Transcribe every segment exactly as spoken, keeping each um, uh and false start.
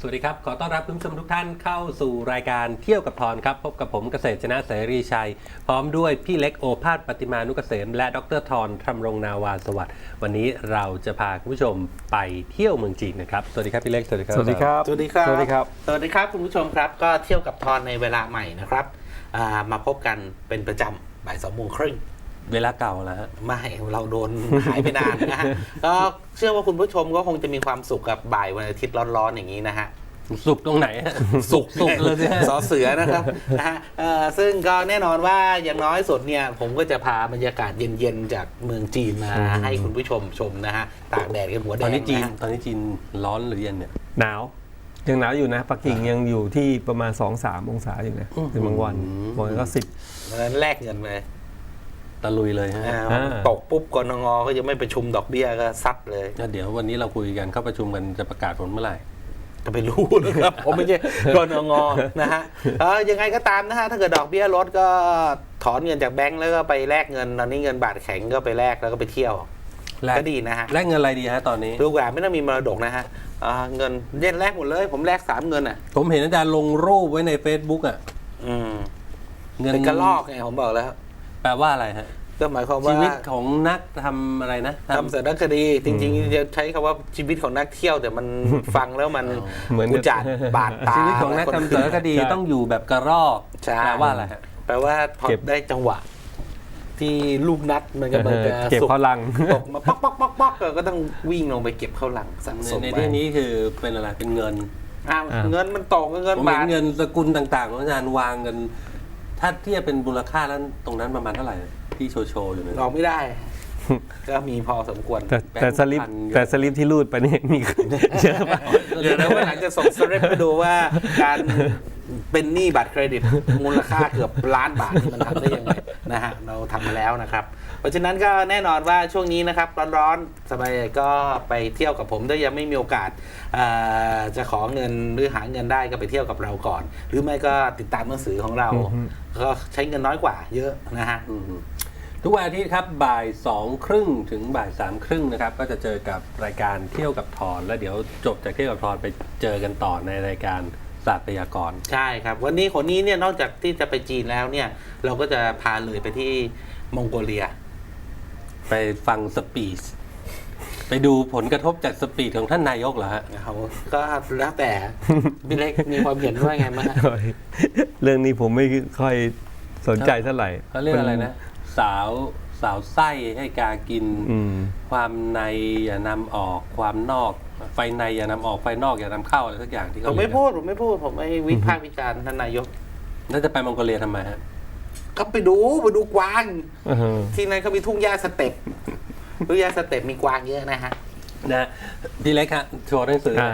วัสดีครับขอต้อนรับคุณผู้ชมทุกท่านเข้าสู่รายการเที่ยวกับทอนครับพบกับผมเกษตรชนะเสรีชัยพร้อมด้วยพี่เล็กโอภาสปฏิมานุกเกษมและดรทอนธรรมรงนาวาสวัสดิ์วันนี้เราจะพาคุณผู้ชมไปเที่ยวเมืองจีนนะครับสวัสดีครับพี่เล็กสวัสดีครับสวัสดีครับสวัสดีครับสวัสดีครับสวัสดีครับคุณผู้ชมครับก็เที่ยวกับทอนในเวลาใหม่นะครับมาพบกันเป็นประจำบ่ายสองโมงครึ่งเวลาเก่าแล้วฮะไม่เราโดนหายไปนานนะฮะก็เชื่อว่าคุณผู้ชมก็คงจะมีความสุขกับบ่ายวันอาทิตย์ร้อนๆอย่างนี้นะฮะสุกตรงไหนสุกสุกเลยเนี่ยสอเสือนะครับนะฮะซึ่งก็แน่นอนว่าอย่างน้อยสุดเนี่ยผมก็จะพาบรรยากาศเย็นๆจากเมืองจีนมาให้คุณผู้ชมชมนะฮะตากแดดกันหัวแดงตอนนี้จีนตอนนี้จีนร้อนหรือเย็นเนี่ยหนาวยังหนาวอยู่นะปักกิ่งยังอยู่ที่ประมาณ สองถึงสาม องศาอยู่นะเป็นบางวันบางวันก็สิบนั้นแลกเงินไปตะลุยเลยฮะตกปุ๊บกนงก็ยังไม่ประชุมดอกเบี้ยก็ซัดเลยเดี๋ยววันนี้เราคุยกันเข้าประชุมกันจะประกาศผลเมื่อไหร่ก็ไปรู้นะครับผมไม่ใช่กนงนะฮะเออยังไงก็ตามนะฮะถ้าเกิดดอกเบี้ยลดก็ถอนเงินจากแบงก์แล้วก็ไปแลกเงินตอนนี้เงินบาทแข็งก็ไปแลกแล้วก็ไปเที่ยวก็ดีนะฮะแลกเงินอะไรดีฮะตอนนี้ลูกหลานไม่ต้องมีมรดกนะฮะเงินเย็นแลกหมดเลยผมแลกสามเงินอ่ะผมเห็นอาจารย์ลงรูปไว้ใน Facebook อ่ะเงินเป็นกระลอกไงผมบอกแล้วแปลว่าอะไรฮะก็หมายความว่าชีวิตของนักทำอะไรนะทำสารคดีจริงๆจะใช้คำว่าชีวิตของนักเที่ยวแต่มันฟังแล้วมันเหมือนอุจจาระบาดตาชีวิตของนักทำสารคดีต้องอยู่แบบกระรอกแปลว่าอะไรฮะแปลว่าพอได้จังหวะที่ลูกนัดมันก็มันจะเก็บเข้าลังตกมาป๊อกป๊อกป๊อกป๊อกก็ต้องวิ่งลงไปเก็บเข้าลังสะสมในที่นี้คือเป็นอะไรเป็นเงินเงินมันตกเงินบาทเงินสกุลต่างๆของอาจารย์วางกันถ้าเทียบเป็นมูลค่าแล้วตรงนั้นประมาณเท่าไหร่ที่โชว์โชว์อยู่เนี่ยออกไม่ได้ก็มีพอสมควรแต่แต่สลิปแต่สลิปที่รูดไปนี่มีเยอะมากเดี๋ยวนะว่าหลังจะส่งสลิปไปดูว่าการเป็นหนี้บัตรเครดิตมูลค่าเกือบล้านบาทมันทำได้ยังไงนะฮะเราทำมาแล้วนะครับเพราะฉะนั้นก็แน่นอนว่าช่วงนี้นะครับร้อนๆสบายก็ไปเที่ยวกับผมถ้ายังไม่มีโอกาสจะขอเงินหรือหาเงินได้ก็ไปเที่ยวกับเราก่อนหรือไม่ก็ติดตามหนังสือของเราก็ใช้เงินน้อยกว่าเยอะนะฮะทุกวันอาทิตย์ครับบ่ายสองครึ่งถึงบ่ายสามครึ่งนะครับก็จะเจอกับรายการเที่ยวกับทอนแล้วเดี๋ยวจบจากเที่ยวกับทอนไปเจอกันต่อในรายการศาสตร์พยากรณ์ใช่ครับวันนี้คนนี้เนี่ยนอกจากที่จะไปจีนแล้วเนี่ยเราก็จะพาเลยไปที่มองโกเลียไปฟังสปีชไปดูผลกระทบจากสปีชของท่านนายกเหรอฮะเขาก็แล้วแต่พี่เล็กมีความเห็นว่าไงมั้งเรื่องนี้ผมไม่ค่อยสนใจเท่าไหร่เขาเรียกอะไรนะสาวสาวไส้ให้กากินความในอย่านำออกความนอกไฟในอย่านำออกไฟนอกอย่านำเข้าอะไรสักอย่างที่เขาผมไม่พูดผมไม่พูดผมไม่วิพากษ์วิจารณ์ท่านนายกแล้วจะไปมองโกเลียทำไมฮะก็ไปดูไปดูกวางที่นั่นเขามีทุ่งหญ้าสเต็ปทุ่งหญ้าสเต็ปมีกวางเยอะนะฮะนะพี่เล็กฮะโชว์หนังสือ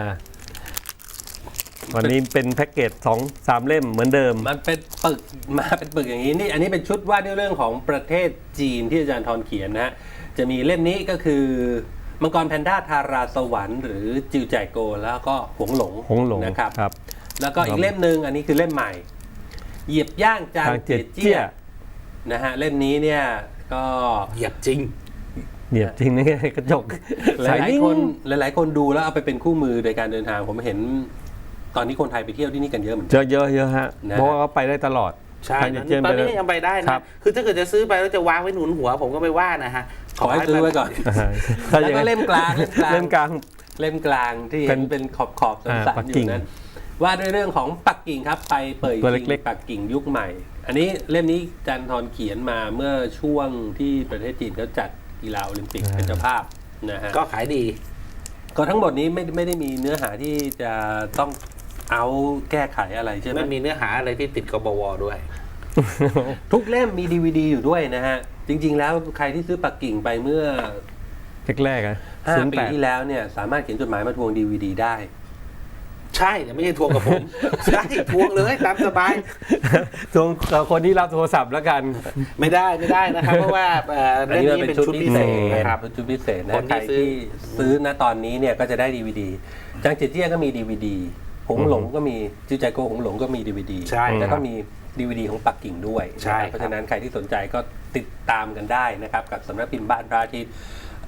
วันนี้เป็นแพ็กเกจสองสามเล่มเหมือนเดิมมันเป็นปึกมาเป็นปึกอย่างนี้นี่อันนี้เป็นชุดว่าด้วยเรื่องของประเทศจีนที่อาจารย์ทอนเขียนนะฮะจะมีเล่มนี้ก็คือมังกรแพนด้าทาราสวรรค์หรือจิวแจโกแล้วก็หงหลงหงหลงนะครับแล้วก็อีกเล่มหนึ่งอันนี้คือเล่มใหม่เหยียบย่างจางเจียเจี้ยนะฮะเล่มนี้เนี่ยก็เหยียบจริงเหยียบจริงนี่กระจกหลายๆคนหลายๆคนดูแล้วเอาไปเป็นคู่มือในการเดินทางผมเห็นตอนนี้คนไทยไปเที่ยวที่นี่กันเยอะเหมือนกันเยอะเยอะเยอะฮะเพราะว่าเขาไปได้ตลอดใช่ตอนนี้ยังไปได้นะคือถ้าเกิดจะซื้อไปแล้วจะวางไว้หนุนหัวผมก็ไม่ว่านะฮะขอให้ซื้อไว้ก่อนแล้วก็เล่มกลางเล่มกลางเล่มกลางที่เป็นขอบขอบสันๆอยู่นั้นว่าด้วยเรื่องของปักกิ่งครับไปเปิดจริงปักกิ่งยุคใหม่อันนี้เล่มนี้จันทร์เขียนมาเมื่อช่วงที่ประเทศจีนเขาจัดกีฬาโอลิมปิกเป็นเจ้าภาพนะฮะก็ขายดีก็ทั้งหมดนี้ไม่ไม่ได้มีเนื้อหาที่จะต้องเอาแก้ไขอะไรใช่ไหมไม่มีเนื้อหาอะไรที่ติดกบวด้วยทุกเล่มมี ดี วี ดี อยู่ด้วยนะฮะจริงๆแล้วใครที่ซื้อปักกิ่งไปเมื่อแรกๆอ่ะห้าปีที่แล้วเนี่ยสามารถเขียนจดหมายมาทวง ดี วี ดี ได้ใช่แต่ไม่ใช่ทวงกับผมใช่ทวงเลยตามสบายทวงกับคนที่รับโทรศัพท์แล้วกันไม่ได้ไม่ได้นะครับเพราะว่าเรื่องนี้เป็นชุดพิเศษนะครับเป็นชุดพิเศษนะใครที่ซื้อณตอนนี้เนี่ยก็จะได้ ดี วี ดี จางเจียเจี้ยก็มี ดี วี ดีหงหลงก็มีจิวใจโกหงหลงก็มี ดี วี ดี แล้วก็มี ดี วี ดี ของปักกิ่งด้วยเพราะฉะนั้นใครที่สนใจก็ติดตามกันได้นะครับกับสำนักพิมพ์บ้านพระอาทิตย์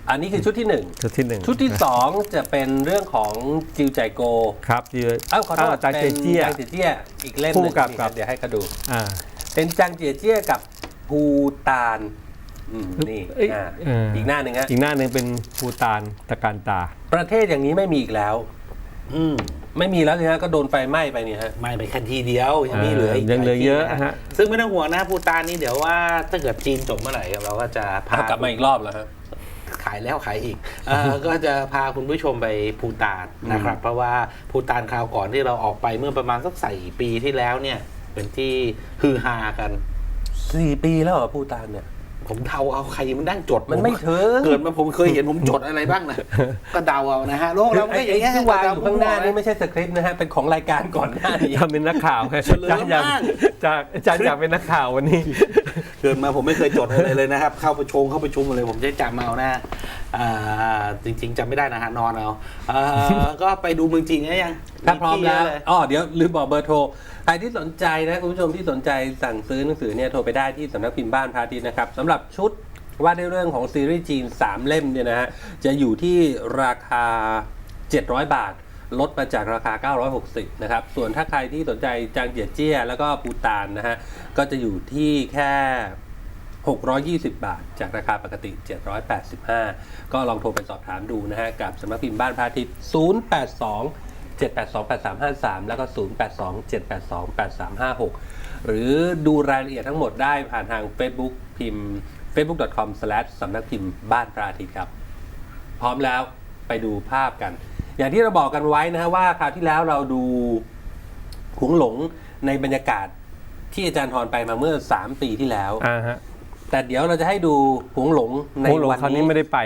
อันนี้คือชุดที่หนึ่งชุดที่หนึ่งชุดที่สองจะเป็นเรื่องของจิวใจโกครับที่เอ้าขอโทษจางเจเจี้ยจางเจียเจี้ยอีกเล่มหคู่นึ่งกับนี่กับเดี๋ยวให้เขาดูอ่าเป็นจางเจียเจี้ยกับภูตานอืมนี่เอ้ยอ่าเอออีอีกหน้าหนึ่งฮะอีกหน้าหนึ่งเป็นภูตานตะการตาประเทศอย่างนี้ไม่มีอีกแล้วอืมไม่มีแล้วสิฮะก็โดนไฟไหม้ไปเนี่ยฮะไม่ไปแค่ทีเดียวยังมีเหลืออีกยังเหลือเยอะหลาที่นฮะซึ่งไม่ต้องห่วงนะภูตานนี่เดี๋ยวว่าถ้าเกิดจีนจบเมื่อไหร่เราก็จะพาเอากลับมาอีกรอบแล้วฮะขายแล้วขายอีกเอ่อ ก็จะพาคุณผู้ชมไปภูตานนะครับ เพราะว่าภูตานคราวก่อนที่เราออกไปเมื่อประมาณสักสี่ปีที่แล้วเนี่ย เป็นที่ฮือฮากันสี่ปีแล้วเหรอภูตานเนี่ยผมเดาเอาใครมันนั่งจดมันไม่ถึงเกิดมาผมเคยเห็นผมจดอะไรบ้างนะ ก็เดาเอานะฮะโลกเราไม่ไอ้อย่างเงี้ยที่วางอยู่ข้างหน้านี่ไม่ใช่สคริปต์นะฮะเป็นของรายการก่อนหน้านี้ทำเป็นนักข่าวไงเฉลิมจานอยากมากจากอาจารย์อยากเป็นนักข่าววันนี้เกิดมาผมไม่เคยจดอะไรเลยนะครับ เข้าประชุมเข้าประชุมอะไรผมจะจำเอานะอ่าจริง ๆจำไม่ได้นะฮะนอนเอาอ่าก็ไปดูเมืองจีนได้ยังถ้าพร้อมแล้วที่เยะเยอ๋อเดี๋ยวลืมบอกเบอร์โทรใครที่สนใจนะคุณผู้ชมที่สนใจสั่งซื้อหนังสือเนี่ยโทรไปได้ที่สำนักพิมพ์บ้านพระอาทิตย์นะครับสำหรับชุดว่าในเรื่องของซีรีส์จีนสามเล่มเนี่ยนะฮะจะอยู่ที่ราคาเจ็ดร้อยบาท ลดมาจากราคาเก้าร้อยหกสิบนะครับส่วนถ้าใครที่สนใจจางเจียเจี้ยแล้วก็ปูตานนะฮะก็จะอยู่ที่แค่หกร้อยยี่สิบบาท จากราคาปกติเจ็ดร้อยแปดสิบห้าก็ลองโทรไปสอบถามดูนะฮะกับสำนักพิมพ์บ้านพระอาทิตย์ศูนย์ แปด สอง เจ็ด แปด สอง แปด สาม ห้า สามแล้วก็ ศูนย์ แปด สอง เจ็ด แปด สอง แปด สาม ห้า หก หรือดูรายละเอียดทั้งหมดได้ผ่านทาง Facebook พิมพ์ เฟซบุ๊ก ดอท คอม สแลช สำนักพิมพ์บ้านพระอาทิตย์ครับ พร้อมแล้วไปดูภาพกัน อย่างที่เราบอกกันไว้นะฮะว่าคราวที่แล้วเราดูหงหลงในบรรยากาศที่อาจารย์ทรไปมาเมื่อสามปีที่แล้วอ่าฮะแต่เดี๋ยวเราจะให้ดูหงหลงในโอ้โหวันคราวนี้นี้ไม่ได้ไป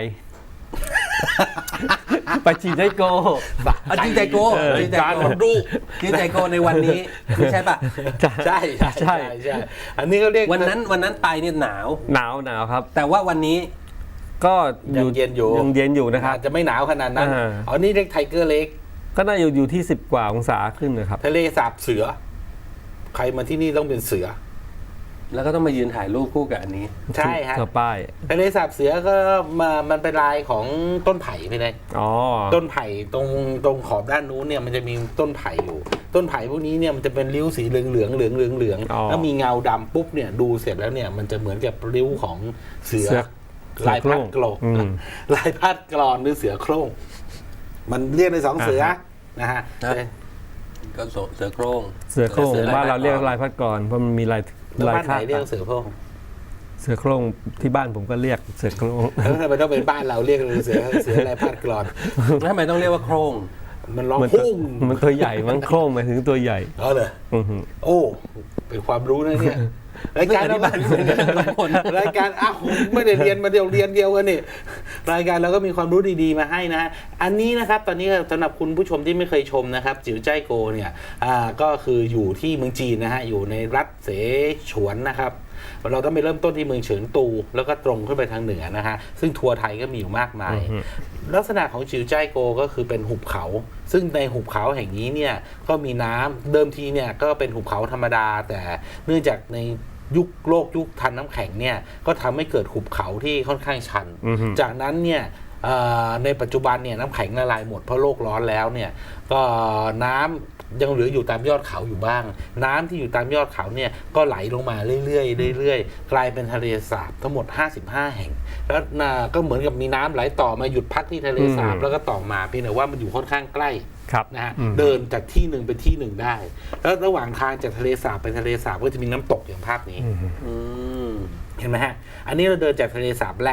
ไปจีไดโกอ่ะจิงใจโกเออจิงใจการโกมันดูจิงใจโกในวันนี้ไม่ใช่ปะใช่ใช่ใช่ใช่อันนี้ก็เรียกวันนั้นวันนั้นไปเนี่ยหนาวหนาวหนาวครับแต่ว่าวันนี้ก็ยังเย็นอยู่ยังเย็นอยู่นะครับอาจจะไม่หนาวขนาดนั้นอ่าอ๋อนี่เรียกไทเกอร์เล็กก็น่าอยู่อยู่ที่สิบกว่าองศาขึ้นนะครับทะเลสาบเสือ ใครมาที่นี่ต้องเป็นเสือแล้วก็ต้องมายืนถ่ายรูปคู่กับอันนี้ใช่ฮะกับป้ายทะเลสาบเสือก็มามันเป็นลายของต้นไผ่ไปเลยอ๋อต้นไผ่ตรงตรงขอบด้านนู้นเนี่ยมันจะมีต้นไผ่อยู่ ต้นไผ่พวกนี้เนี่ยมันจะเป็นริ้วสีเหลืองเหลืองเหลืองเหลืองเหลืองอ๋อแล้วมีเงาดำปุ๊บเนี่ยดูเสร็จแล้วเนี่ยมันจะเหมือนกับริ้วของเสือเสือลายพัดกลอืมลายพัดกรอนหรือเสือโคร่งมันเรียกในสองเสืออ่าฮะนะฮะครับ ก็เสือโคร่งเสือโคร่งเสือลายบ้านเราเรียกพัดกรลายพัดกรเพราะมันมีลายแล้วลายบ้านไหคาน ดเรียกเสือโคร่งเสือโคร่งที่บ้านผมก็เรียกเสือโคร่งแล้วทำไมต้องเป็นบ้านเราเรียกเสือเสือลายพัดกรอนแล้วทำไมต้องเรียกว่าโคร่งมันร้องมันตัวพุ่งมันตัวใหญ่มันโคร่งหมายถึงตัวใหญ่เออเลยอือหือโอ้เป็นความรู้นะเนี่ยรายการไม่อธิบายเหมือนกันทุกคนรายการอ้าวไม่ได้เรียนมาเดียวเรียนเดียวกันนี่รายการเราก็มีความรู้ดีๆมาให้นะอันนี้นะครับตอนนี้สำหรับคุณผู้ชมที่ไม่เคยชมนะครับจิ๋วใจโกเนี่ยอ่าก็คืออยู่ที่เมืองจีนนะฮะอยู่ในรัฐเสฉวนนะครับเราต้องไปเริ่มต้นที่เมืองเฉิงตู แล้วก็ตรงขึ้นไปทางเหนือนะฮะซึ่งทัวร์ไทยก็มีอยู่มากมายอือฮึลักษณะของจิ๋วใจโกก็คือเป็นหุบเขา ซึ่งในหุบเขาแห่งนี้เนี่ยก็มีน้ำเดิมทีเนี่ยก็เป็นหุบเขาธรรมดา แต่เนื่องจากในยุคโลกยุคทันน้ำแข็งเนี่ยก็ทำให้เกิดหุบเขาที่ค่อนข้างชันอือฮึจากนั้นเนี่ยเอ่อในปัจจุบันเนี่ยน้ำแข็งละลายหมดเพราะโลกร้อนแล้วเนี่ยก็น้ำยังเหลืออยู่ตามยอดเขาอยู่บ้าง น้ำที่อยู่ตามยอดเขาเนี่ยก็ไหลลงมาเรื่อยๆเรื่อยๆกลายเป็นทะเลสาบทั้งหมดห้าสิบห้าแห่ง แล้วน่ะก็เหมือนกับมีน้ำไหลต่อมาหยุดพักที่ทะเลสาบอืมแล้วก็ต่อมาเพียงแต่ว่ามันอยู่ค่อนข้างใกล้ครับนะฮะอืมเดินจากที่หนึ่งไปที่หนึ่งได้ แล้วระหว่างทางจากทะเลสาบไปทะเลสาบก็จะมีน้ำตกอย่างภาพนี้อืมอืมเห็นไหมฮะ อันนี้เราเดินจากทะเลสาบแรก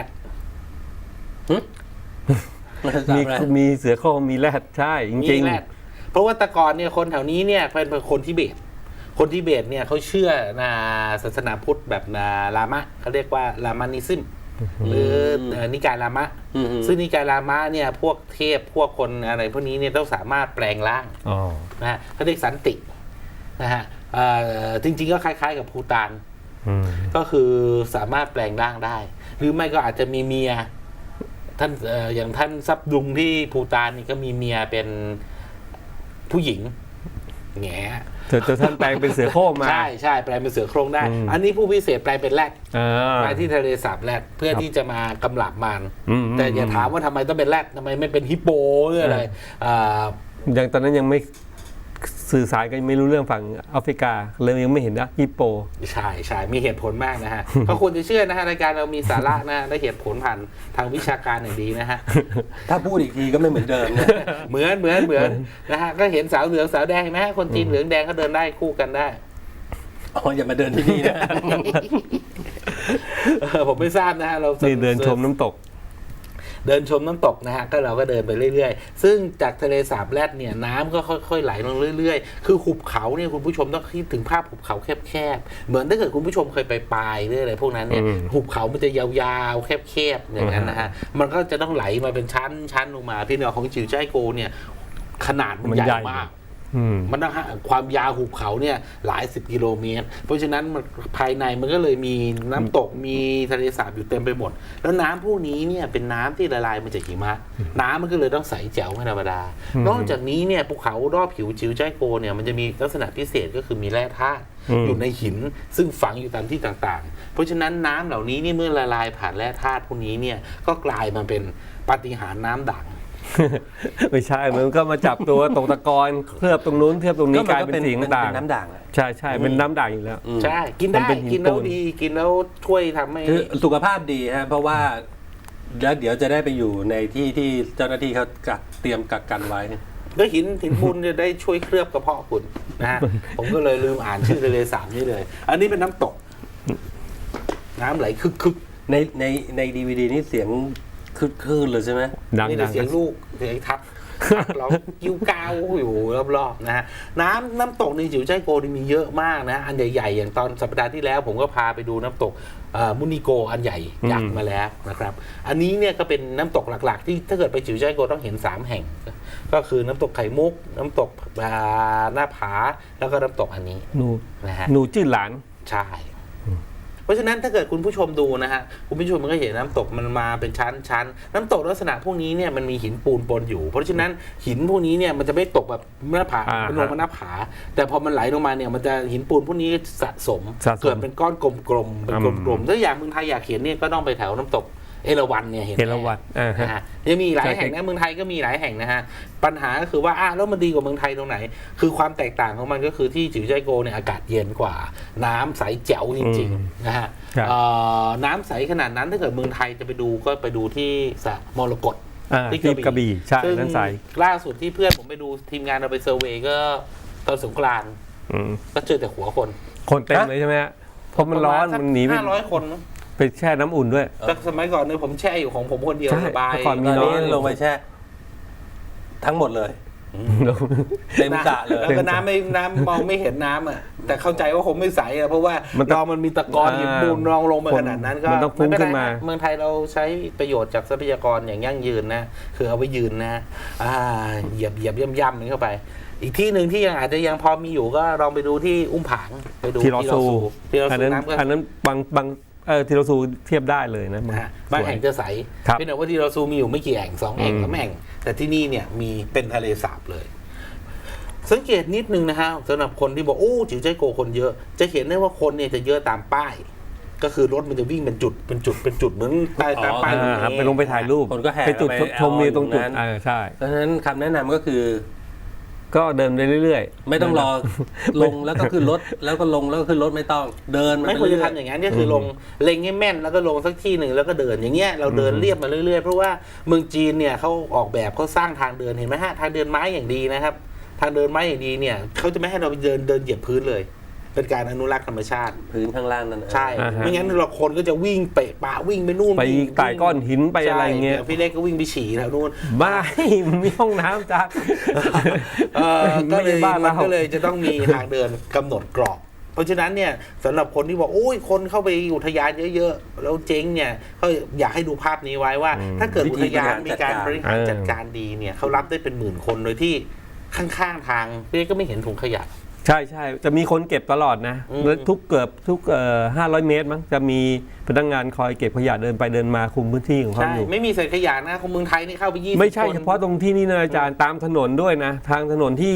มีมีเสือโคร่งมีแรดใช่จริงแรกเพราะว่าแต่ก่อนเนี่ยคนแถวนี้เนี่ยเป็นคนทิเบต คนทิเบตเนี่ยเขาเชื่อนาศาสนาพุทธแบบนาลามะเขาเรียกว่าลามานิซึมหรือเอ่อนิกายลามะอืมซึ่งนิกายลามะเนี่ยพวกเทพพวกคนอะไรพวกนี้เนี่ยต้องสามารถแปลงร่างๆอ๋อนะฮะเขาเรียกสันตินะฮะเอ่อจริงๆก็คล้ายๆกับภูฏานอืมก็คือสามารถแปลงร่างได้ หรือไม่ก็อาจจะมีเมียท่านเอ่ออย่างท่านซับดุงที่ภูฏานนี่ก็มีเมียเป็นผู้หญิงแง่เธอท่านแปลงเป็นเสือโคร่งมาใช่ใช่แปลงเป็นเสือโคร่งได้อืมอันนี้ผู้พิเศษแปลงเป็นแรดอ่ามาที่ทะเลสาบแรดเพื่อครับที่จะมากำลับมันอืมแต่อย่าถามว่าทำไมต้องเป็นแรดทำไมไม่เป็นฮิปโปหรืออะไรอ่ายังตอนนั้นยังไม่สื่อสารกันไม่รู้เรื่องฝั่งแอฟริกาเลยยังไม่เห็นนะฮิปโปใช่ใช่มีเหตุผลมากนะฮะ ก็ควรจะเชื่อนะฮะรายการเรามีสาระนะฮะและเหตุผลผ่านทางวิชาการอย่างดีนะฮะถ้าพูดอีกทีก็ไม่เหมือนเดิมนะเหมือนเหมือนเหมือนนะฮะก็เห็นสาวเหลืองสาวแดงเห็นไหมฮะคนจีนเหลืองแดงก็เดินได้คู่กันได้อ๋ออย่ามาเดินที่นี่นะเออผมไม่ทราบนะฮะเรานี่เดินชมน้ำตกเดินชมน้ำตกนะฮะก็เราก็เดินไปเรื่อยๆ ซึ่งจากทะเลสาบแรดเนี่ยน้ำก็ค่อยๆไหลลงเรื่อยๆ คือหุบเขาเนี่ยคุณผู้ชมต้องคิดถึงภาพหุบเขาแคบๆเหมือนถ้าเกิดคุณผู้ชมเคยไปปลายหรืออะไรพวกนั้นเนี่ยอืมหุบเขามันจะยาวๆแคบๆอย่างนั้นนะฮะมันก็จะต้องไหลมาเป็นชั้นชั้นลงมาพี่เนาะของจิ๋วจ้ายโกเนี่ยขนาดมันมันใหญ่ใหญ่มากอืมมันนะฮะความยาวหุบเขาเนี่ยหลายสิบกิโลเมตร เพราะฉะนั้นมันภายในมันก็เลยมีน้ำตกมีทะเลสาบอยู่เต็มไปหมด แล้วน้ำพวกนี้เนี่ยเป็นน้ำที่ละลายมาจากหิมะน้ำมันก็เลยต้องใสแจ๋วไม่ธรรมดาอืมนอกจากนี้เนี่ยภูเขารอบผิวจิ๋วจ้ายโกเนี่ยมันจะมีลักษณะพิเศษก็คือมีแร่ธาตุอืมอยู่ในหินซึ่งฝังอยู่ตามที่ต่างๆ เพราะฉะนั้นน้ำเหล่านี้นี่เมื่อละลายผ่านแร่ธาตุพวกนี้เนี่ยก็กลายมาเป็นปาฏิหาริย์น้ำด่างไม่ใช่มันก็มาจับตัวตกตะกอนเคลือบตรงนู้นเคลือบตรงนี้กลายเป็นสีเป็นต่างน้ำด่างอะใช่ใช่เป็นน้ำด่างอยู่แล้วอืมใช่กินมันได้เป็นหินกินแล้วปูนดีกินแล้วช่วยทำให้คือสุขภาพดีฮะเพราะว่าแล้วเดี๋ยวจะได้ไปอยู่ในที่ที่เจ้าหน้าที่เขากักเตรียมกักกันไว้แล้วหินหินปูนจะได้ช่วยเคลือบกระเพาะคุณนะฮะ ผมก็เลยลืมอ่านชื่อทะเลสาบนี้เลย อันนี้เป็นน้ำตก น้ำไหลคึกคึกในในในดีวีดีนี่เสียงคือคลื่นเลยใช่ไหมดังนี่ดัแต่งเสียงลูกเสียงทัดร้องกิ้วกาวอยู่รอบๆนะฮะน้ำน้ำตกในจิ๋วใจายโกนี่มีเยอะมากนะ อันใหญ่ๆอย่างตอนสัปดาห์ที่แล้ว ผมก็พาไปดูน้ำตกเอ่อมุนิโกอันใหญ่ยักษ์มาแล้วนะครับ อันนี้เนี่ยก็เป็นน้ำตกหลักๆ ที่ถ้าเกิดไปจิ๋วใจายโกต้องเห็นสามแห่ง ก็คือน้ำตกไข่มุก น้ำตกอ่าหน้าผาแล้วก็น้ำตกอันนี้หนูนะฮะหนูจื้อหลานใช่ เพราะฉะนั้นถ้าเกิดคุณผู้ชมดูนะฮะคุณผู้ชมมันก็เห็นน้ำตกมันมาเป็นชั้นชั้นน้ำตกลักษณะพวกนี้เนี่ยมันมีหินปูนปนอยู่ เพราะฉะนั้นหินพวกนี้เนี่ยมันจะไม่ตกแบบหน้าผาอ่าเป็นลงมาหน้าผา แต่พอมันไหลลงมาเนี่ยมันจะหินปูนพวกนี้สะสมสะสมเกิดเป็นก้อนกลมๆเป็นอืมกลมๆถ้าอยากเมืองไทยอยากเห็นเนี่ยก็ต้องไปแถวน้ำตกเอราวัณเนี่ยเห็นเห็นละวัดอ่าฮะนะฮะยังมีอีกหลายใช่แห่งนะเมืองไทยก็มีหลายแห่งนะฮะปัญหาก็คือว่าอ้าวแล้วมันดีกว่าเมืองไทยตรงไหน คือความแตกต่างของมันก็คือที่จิ๋วใจายโกเนี่ยอากาศเย็นกว่า น้ำใสแจ๋วจริงอืมๆนะฮะครับเอ่อน้ำใสขนาดนั้นถ้าเกิดเมืองไทยจะไปดูก็ไปดูที่สระมรกตอ่าที่กระบี่ใช่ซึ่งนั่นใสล่าสุดที่เพื่อนผมไปดูทีมงานเราไปเซอร์เวย์ก็ตอนสงกรานต์อืมก็เจอแต่หัวคนคนเต็มเลยใช่ไหมฮะเพราะมันร้อนมันหนีไปห้าร้อยคนมั้งไปแช่น้ำอุ่นด้วยแต่สมัยก่อนเนี่ยผมแช่อยู่ของผมคนเดียวใช่สบายเมื่อก่อนตอนน้นี้อยลงไปแช่ทั้งหมดเลย เต็มสระเลยแล้วก็น้ำไม่น้ำมองไม่เห็นน้ำอ่ะแต่เข้าใจว่าคงไม่ใสอ่ะเพราะว่ามันต้องรองมันมีตะกอนหินปูนรองลงมาขนาดนั้นก็มันต้องฟุ้งไเป็ขึ้นไรมาฮะเมืองไทยเราใช้ประโยชน์จากทรัพยากรอย่างยั่งยืนนะคือเอาไว้ยืนนะอ่าเหยียบเหยียบย่ำย่ำมันเข้าไป อีกที่หนึ่งที่ยังอาจจะยังพอมีอยู่ก็ลองไปดูที่อุ้มผางไปดูทีรอซูทีรออันซูนั้นน้ำก็อันนั้นบางบางเออทีรอซูเทียบได้เลยนะนะฮะบางแห่งจะใสครับเป็นแต่ว่าที่เราซูมีอยู่ไม่กี่แห่งสองแห่งอืมสามแห่ง แต่ที่นี่เนี่ยมีเป็นทะเลสาบเลย สังเกตนิดนึงนะฮะสำหรับคนที่บอกโอ้จิ๋วใจายโกคนเยอะ จะเห็นได้ว่าคนเนี่ยจะเยอะตามป้าย ก็คือรถมันจะวิ่งเป็นจุดเป็นจุดเป็นจุดเหมือนตามตามป้ายอ่าครับไปลงไปถ่ายรูปคนก็แห่ไปจุดไปชมวิวตรงจุดเอาตรงนั้นอ่าใช่เพราะฉะนั้นคำแนะนำก็คือก็เดินไปเรื่อยๆไม่ต้องรอลงแล้วก็ขึ้นรถแล้วก็ลงแล้วก็ขึ้นรถไม่ต้องเดินไม่ควรจะทำอย่างนั้นก็คือลงเล็งให้แม่นแล้วก็ลงสักที่หนึ่งแล้วก็เดินอย่างเงี้ยเราเดินเรียบมาเรื่อยๆเพราะว่าเมืองจีนเนี่ยเขาออกแบบเขาสร้างทางเดินเห็นไหมฮะทางเดินไม้อย่างดีนะครับ ทางเดินไม้อย่างดีเนี่ยเขาจะไม่ให้เราเดินเดินเหยียบพื้นเลย เป็นการอนุรักษ์ธรรมชาติพื้นข้างล่างนั่นนะใช่อ่าฮะไม่งั้นเราคนก็จะวิ่งเปะปะวิ่งไปนู่นไปวิ่งไต่ก้อนหินไปอะไรเงี้ยใช่ดี๋วพี่เล็กก็วิ่งไปฉี่แถวนู่นบ้า มันมีห้องน้ำจ้าเออก็เลยไม่ใช่บ้านมันเราก็เลยจะต้องมีทางเดินกำหนดกรอบ เพราะฉะนั้นเนี่ยสำหรับคนที่บอกโอ้ยคนเข้าไปอุทยานเยอะๆแล้วเจ๊งเนี่ยเขาอยากให้ดูภาพนี้ไว้ว่า ถ้าเกิดอุทยานมีการบริหารจัดการดีเนี่ยเขารับได้เป็นหมื่นคนโดยที่ข้างๆทางพี่เล็กก็ไม่เห็นถุงขยะใช่ใช่จะมีคนเก็บตลอดนะอืมแล้วทุกเกือบทุกเอ่อห้าร้อยเมตรมั้งจะมีพนักงานคอยเก็บขยะเดินไปเดินมาคุมพื้นที่ของเขาใช่อยู่ไม่มีใส่ขยะนะคนเมืองไทยนี่เข้าไปยี่สิบไม่ใช่คนเฉพาะตรงที่นี่นะอาจารย์ตามถนนด้วยนะ ทางถนนที่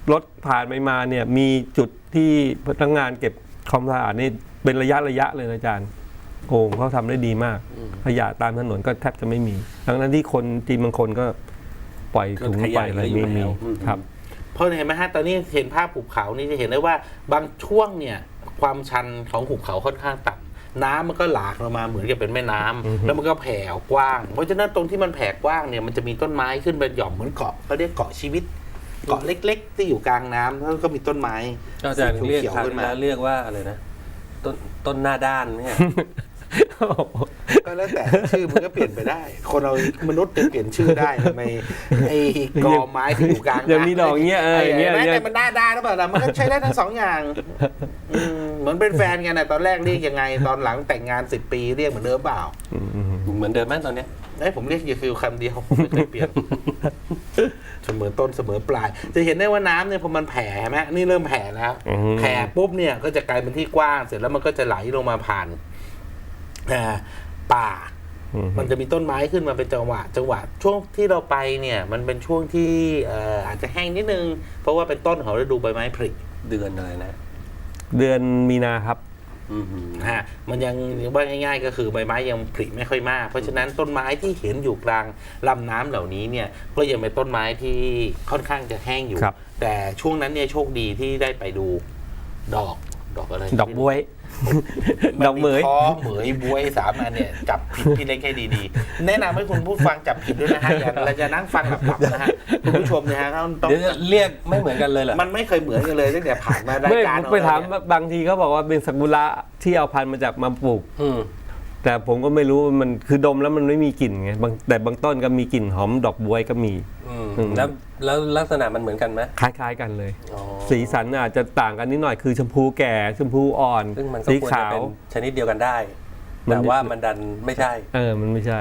รถผ่านไปมาเนี่ยมีจุดที่พนักงานเก็บความสะอาดนี่เป็นระยะระยะเลยนะอาจารย์โอ้เขาทำได้ดีมากขยะตามถนนก็แทบจะไม่มีทั้งนั้นที่คนจีนบางคนก็ปล่อยถุงไปอะไรไม่มีครับเพราะเห็นไหมฮะตอนนี้เห็นภาพหุบเขานี่จะเห็นได้ว่าบางช่วงเนี่ยความชันของหุบเขาค่อนข้างต่ำน้ำมันก็หลากลงมาเหมือนกับเป็นแม่น้ำแล้วมันก็แผ่กว้าง เพราะฉะนั้นตรงที่มันแผ่กว้างเนี่ยมันจะมีต้นไม้ขึ้นเป็นหย่อมเหมือนเกาะเขาเรียกเกาะชีวิตเกาะเล็กๆที่อยู่กลางน้ำแล้วก็มีต้นไม้ก็อาจารย์เรียกขียวครั้งๆขึ้นมาแล้วเรียกว่าอะไรนะต้นต้นหน้าด้านเนี่ยก็แล้วแต่ชื่อมันก็เปลี่ยนไปได้ คนเรามนุษย์จะเปลี่ยนชื่อได้ทำไมไอ้กอไม้ที่อยู่กลางยังมีดอกเงี้ยเอออย่างเงี้ยแม้แต่มันหน้าด้านหรือเปล่าล่ะมันก็ใช้ได้ทั้งสองอย่างอืมเหมือนเป็นแฟนกันนะตอนแรกเรียกยังไงตอนหลังแต่งงานสิบปีเรียกเหมือนเดิมเปล่าเหมือนเดิมไหมตอนเนี้ยไอ้ผมเรียกเยฟิลคำเดียวไม่เคยเปลี่ยนเสมอต้นเสมอปลาย จะเห็นได้ว่าน้ำเนี่ยพอมันแผ่ใช่ไหมนี่เริ่มแผ่แล้วอืมแผ่ปุ๊บเนี่ยก็จะกลายเป็นที่กว้างเสร็จแล้วมันก็จะไหลลงมาผ่านอ่าป่า มันจะมีต้นไม้ขึ้นมาเป็นจังหวะ จังหวะช่วงที่เราไปเนี่ยมันเป็นช่วงที่เอ่ออาจจะแห้งนิดนึงเพราะว่าเป็นต้นของฤดูใบไม้ผลิเดือนอะไรนะเดือนมีนาครับอืมนะฮะมันยังว่าง่ายๆก็คือใบไม้ยังผลิไม่ค่อยมาก เพราะฉะนั้นต้นไม้ที่เห็นอยู่กลางลำน้ำเหล่านี้เนี่ยก็ยังเป็นต้นไม้ที่ค่อนข้างจะแห้งอยู่ครับแต่ช่วงนั้นเนี่ยโชคดีที่ได้ไปดูดอกดอกอะไรดอกบ๊วย ดอกเหมยนท้อเหมยบวยสามอันเนี่ยจับผิดพี่เล็กให้ดีๆ แนะนำให้คุณผู้ฟังจับผิดด้วยนะฮะอย่าเราจะนั่งฟังหลับๆนะฮะคุณผู้ชมนะฮะต้องต้องเดี๋ยวเรียกไม่เหมือนกันเลยเหรอมันไม่เคยเหมือนกันเลยตั้งแต่ผ่านมารายไม่การไปถามของเรเนี่ยบางทีเขาบอกว่าเป็นซากุระที่เอาพันธุ์มาจากมาปลูกอืมแต่ผมก็ไม่รู้ว่ามันคือดมแล้วมันไม่มีกลิ่นไงบางแต่บางต้นก็มีกลิ่นหอมดอกบ๊วยก็มีอืมอืมแล้วแล้วลักษณะมันเหมือนกันไหมคล้ายๆกันเลยอ๋อสีสันอาจจะต่างกันนิดหน่อยคือชมพูแก่ชมพูอ่อนซึ่งมันก็สีควรขาจะวเป็นชนิดเดียวกันได้มันแต่ว่ามันดันไม่ใช่เออมันไม่ใช่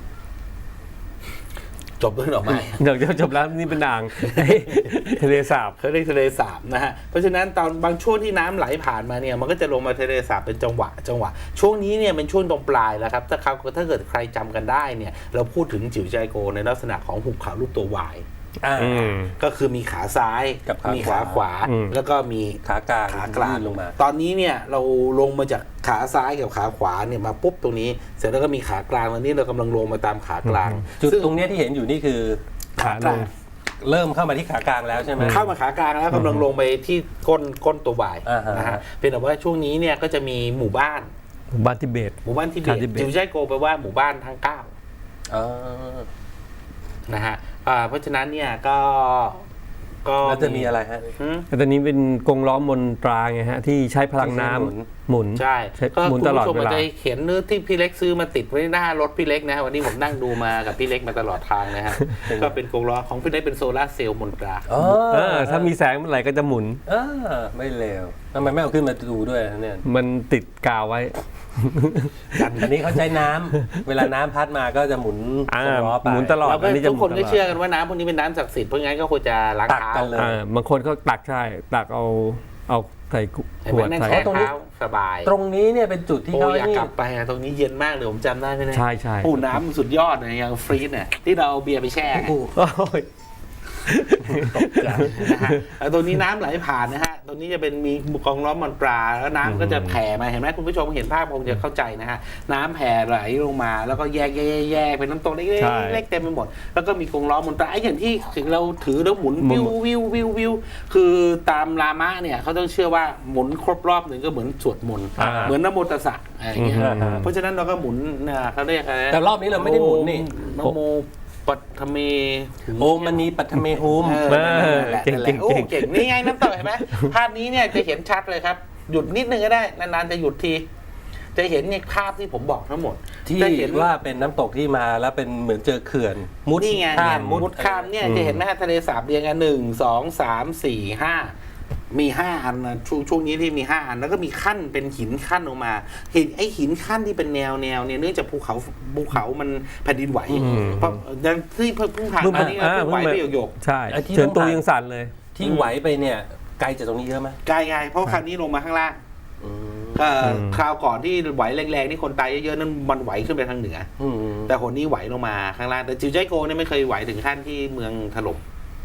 จบด้วยดอกไม้เดี๋ยวจะจบแล้วนี่เป็นอ่าง ทะเลสาบเขาเรียกทะเลสาบนะฮะ เพราะฉะนั้นตอนบางช่วงที่น้ำไหลผ่านมาเนี่ยมันก็จะลงมาทะเลสาบเป็นจังหวะจังหวะ ช่วงนี้เนี่ยเป็นช่วงตรงปลายแล้วครับ ถ้าเขาถ้าเกิดใครจำกันได้เนี่ยเราพูดถึงจิ๋วใจโกในลักษณะของหุบเขารูปตัววายอ่าอืมก็คือมีขาซ้ายกับขามีมีขาขวาอืมแล้วก็มีขากลางขากลางยื่นลงมาตอนนี้เนี่ยเราลงมาจากขาซ้ายกับขาขวาเนี่ยมาปุ๊บตรงนี้ เสร็จแล้วก็มีขากลางตอนนี้เรากำลังลงมาตามขากลางจุดซึ่ตรงเนี้ยที่เห็นอยู่นี่คือขาลงเริ่มเข้ามาที่ขากลางแล้วใช่ไหมเข้ามาขากลางแล้วกำลังลงไปที่ก้นก้นตัววายอ่าฮะนะฮะเป็นแต่ว่าช่วงนี้เนี่ยก็จะมีหมู่บ้านหมู่บ้านทิเบตหมู่บ้านที่เบชาตติทิเบตจิวใจโกแปลว่าหมู่บ้านทั้งเก้าอ๋อนะฮะอ่าเพราะฉะนั้นเนี่ยก็ก็แล้วจะมีอะไรฮะหืมแต่ตอนนี้เป็นกรงล้อมมนตราไงฮะที่ใช้พลังน้ำที่ใช้หมุนหมุนใช่ใช้ก็หมุคุนณตลอดผู้ชมเวอาจลาจะเห็นเนื้อที่พี่เล็กซื้อมาติดไว้หน้ารถพี่เล็กนะวันนี้ผมนั่งดูมากับพี่เล็กมาตลอดทางนะฮะ ก็เป็นกรงล้อของพี่เล็กเป็นโซลาร์เซลล์มนตราอ๋อเออถ้ามีแสงเมื่อไหร่ก็จะหมุนเออไม่เลวทำไมไม่เอาขึ้นมาดูด้วยนะเนี่ยมันติดกาวไว้อันนี้เขาใช้น้ำเวลาน้ำพัดมาก็จะหมุนอ่าสำล้อไปหมุนตลอดเราก็อันนี้จะทุกคนหมุก็นตลอดเชื่อกันว่าน้ำพวกนี้เป็นน้ำศักดิ์สิทธิ์เพราะงั้นก็ควรจะล้างตักเท้ากันเลยอ่าบางคนก็ตักใช่ ตักเอาเอาใส่ขเห็นไหมวดนั่งใส่แช่เท้าสบายตรงนี้เนี่ยเป็นจุดที่โอ้เขาอยากนี่กลับไปอะตรงนี้เย็นมากเลยผมจำได้ไหมเนี่ยใช่ใช่โอ้น้ำสุดยอดเลยยังฟรีซเนี่ยที่เราเอาเบียร์ไปแช่ไงโอ้โอ้ยนะฮะแล้วตรงนี้น้ำไหลผ่านนะฮะตรงนี้จะเป็นมีกองล้อมมันปลาแล้วน้ำก็จะแผ่มาเห็นไหมคุณผู้ชมเห็นภาพคงจะเข้าใจนะฮะน้ำแผ่ไหลลงมาแล้วก็แยกแยกแยกเป็นน้ำตกเล็กใช่ๆเล็กๆเต็มไปหมดแล้วก็มีกองล้อมมันปลาไอ้อย่างที่เราถือแล้วหมุนหมุวินววิววิววิวคือตามรามะเนี่ยเขาต้องเชื่อว่าหมุนครบรอบหนึ่งก็เหมือนสวดมนต์อ่าเหมือนนโมตัสสะอะไรอย่างเงี้ยอืมเพราะฉะนั้นเราก็หมุนนะเขาเรียกอะไรนะแต่รอบนี้เราไม่ได้หมุนนี่นโมปัทเมโอมณีปัทเมหุมเออนั่นแหละเก่งนั่นแหเก่ละงโอ้เก่งเก่งนี่ไงน้ำตกเห็นไหมภาพนี้เนี่ยจะเห็นชัดเลยครับ หยุดนิดนึงก็ได้นานๆจะหยุดที จะเห็นเนี่ยภาพที่ผมบอกทั้งหมดที่จะเห็นว่าเป็นน้ำตกที่มาแล้วเป็นเหมือนเจอเขื่อน มุดนี่ไงข้าเนี่ยมมุดข้ามเนี่ยจะเห็นไหมฮะทะเลสาบเรียงกันหนึ่งสองสามสี่ห้ามีห้าอันนะช่วงช่วงนี้ที่มีห้าอันแล้วก็มีขั้นเป็นหินขั้นออกมาเห็นไอ้หินขั้นที่เป็นแนวแนวเนี่ยเนื่องจากภูเขาภูเขามันแผ่นดินไหวอืมเพราะอย่างที่เพิ่งผ่านมานี่ก็เพิ่งไหวไปหยกใช่ไอ้ที่เชิญต้องตูผ่านยังสั่นเลยที่ไหวไปเนี่ยไกลจากตรงนี้เยอะไหมๆไกลไงเพราะคราวนี้ลงมาข้างล่างอืมก็อืมคราวก่อนที่ไหวแรงๆที่คนตายเยอะๆนั้นมันไหวขึ้นไปทางเหนืออืมแต่คนนี้ไหวลงมาข้างล่างแต่จิวใจโกเนี่ยไม่เคยไหวถึงขั้นที่เมืองถล่ม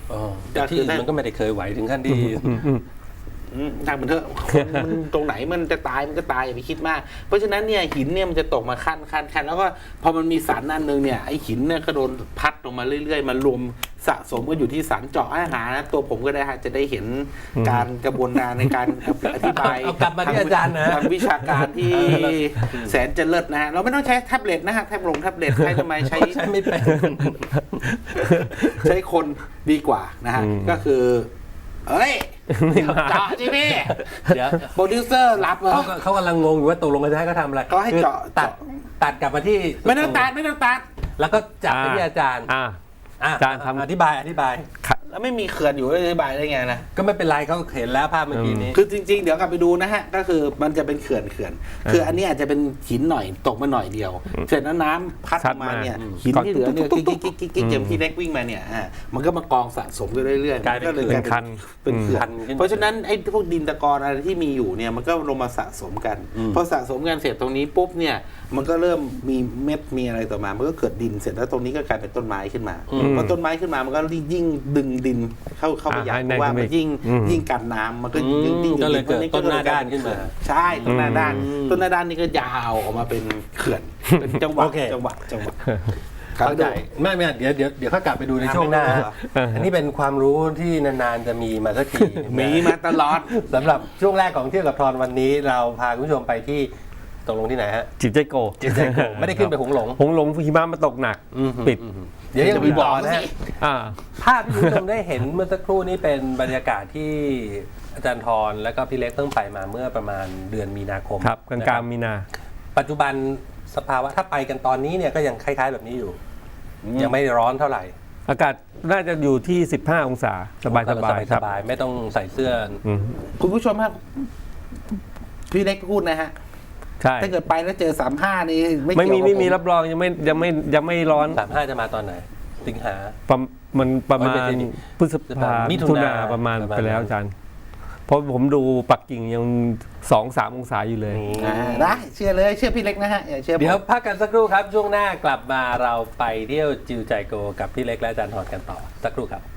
อ๋อแต่ที่อื่นมันก็ไม่ได้เคยไหวถึงขั้นที่อืมอืมอืมทางมันเถอะมันตรงไหนมันจะตายมันก็ตายอย่าไปคิดมาก เพราะฉะนั้นเนี่ยหินเนี่ยมันจะตกมาขั้นขั้นขั้นแล้วก็พอมันมีสันอันหนึงเนี่ยไอหินเนี่ยก็โดนพัดลงมาเรื่อยๆมันรวมสะสมก็อยู่ที่สันเจาะอาหารนะตัวผมก็ได้ฮะจะได้เห็นการกระบวนการในการอธิบายเอากลับมาที่อาจารย์นะทางวิชาการที่แสนจะเลิศนะฮะเราไม่ต้องใช้แท็บเล็ตนะฮะแท็บลงแท็บเล็ตใช้ทำไมใช้ใช้ไม่เป็นใช้คนดีกว่านะฮะอืมก็คือเอ้ยเจาะจิพี่เดี๋ยวโปรดิวเซอร์รับเหรอเขาก็เขากำลังงงอยู่ว่าตกลงกันจะให้เขาทำอะไรเขาให้เจาะคือตัดเจาะตัดกลับมาที่ไม่ต้องตัดไม่ต้องตัดแล้วก็จับไปที่อาจารย์อ่าอ่ะอาจารย์ทำอธิบายอธิบายแล้วไม่มีเขื่อนอยู่อธิบายได้ไงนะก็ไม่เป็นไรเขาเห็นแล้วภาพเมื่อกี้นี้คือจริงๆ เดี๋ยวกลับไปดูนะฮะ ก็คือมันจะเป็นเขื่อนเขื่อน คืออันนี้อาจจะเป็นหินหน่อยตกมาหน่อยเดียว เสร็จแล้วน้ำพัดซัดมามาเนี่ยอืมหินที่เหลือเนี่ยตุ๊กิ๊บกตุ๊กิ๊บกกิ๊กกิ๊กเกมที่เล็กวิ่งมาเนี่ยอ่ามันก็มากองสะสมกันเรื่อยๆกลายเป็นมัก็เลยเป็นกลายคันเป็นเขื่อนคันขึ้นมาเพราะฉะนั้นไอ้พวกดินตะกอนอะไรที่มีอยู่เนี่ยมันก็ลงมาสะสมกันอืมพอสะสมกันเสร็จตรงนี้ปุ๊บเนี่ยมันก็เริ่มมีเม็ดมีอะไรต่อมา มันก็เกิดดินเสร็จแล้วตรงนี้ก็กลายเป็นต้นไม้ขึ้นมาพอต้นไม้ขึ้นมามันก็ยิ่งดึงดินเข้าเข้าไปอ่าใหญ่ให้เพราะว่ามันยิ่งอืมยิ่งกันน้ำมันก็อืมยิ่งยิ่งก็เลยเกิดยิ่งต้นหน้าด้านขึ้นมาใช่ต้นหน้าด้านอืมต้นหน้าด้านนี่ก็ยาวออกมาเป็นเขื่อนเป็นจังหวะโอเคจังหวะจังหวะเข้าใจไม่ไม่เดี๋ยวเดี๋ยวเดี๋ยวเขากลับไปดูในช่วงหน้าอ่ะไม่เป็นไรหรออันนี้เป็นความรู้ที่นานๆจะมีมาสักทีหนึ่งนะมีมาตลอดสำหรับช่วงแรกของเที่ยวกับทอนวันนี้ เราพาคุณผู้ชมไปที่ตกลงที่ไหนฮะจิบใจโกจิตใจโกไม่ได้ขึ้นไปหงหลงหงหลงหิมะมาตกหนักอืมปิดอืมเดี๋ยวยังมีต่อนะฮะอ่าภาพที่คุณผู้ชมได้เห็นเมื่อสักครู่นี้เป็นบรรยากาศที่อาจารย์ทรและก็พี่เล็กเพิ่งไปมาเมื่อประมาณเดือนมีนาคมครับกลางนะกคลารังบมีนาปัจจุบันสภาวะถ้าไปกันตอนนี้เนี่ยก็ยังคล้ายๆแบบนี้อยู่ ยังไม่ร้อนเท่าไหร่อากาศน่าจะอยู่ที่สิบห้าองศาสบายสบายสครับบายๆไม่ต้องใส่เสื้ออืมคุณผู้ชมครับพี่เล็กพูดนะฮะใช่ถ้าเกิดไปแล้วเจอสามห้านี่ไม่ไม่เกี่ยวกับมีไม่มีผรับรองยังไม่ยังไม่ยังไม่ร้อนสามห้าจะมาตอนไหน สิงหาประมันประมาไม่ณใช่นี่พฤษภามิมิถุถุนานาประมาณประมาณไปแล้วอาจารย์เพราะผมดูปักกิ่งยังสองสามองศาอยู่เลยอ่าได้เชื่อเลยเชื่อพี่เล็กนะฮะอย่าเชื่อผมเดี๋ยวพักกันสักครู่ครับ ช่วงหน้ากลับมาเราไปเที่ยวจิวใจโกกับพี่เล็กและอาจารย์ทรกันต่อสักครู่ครับ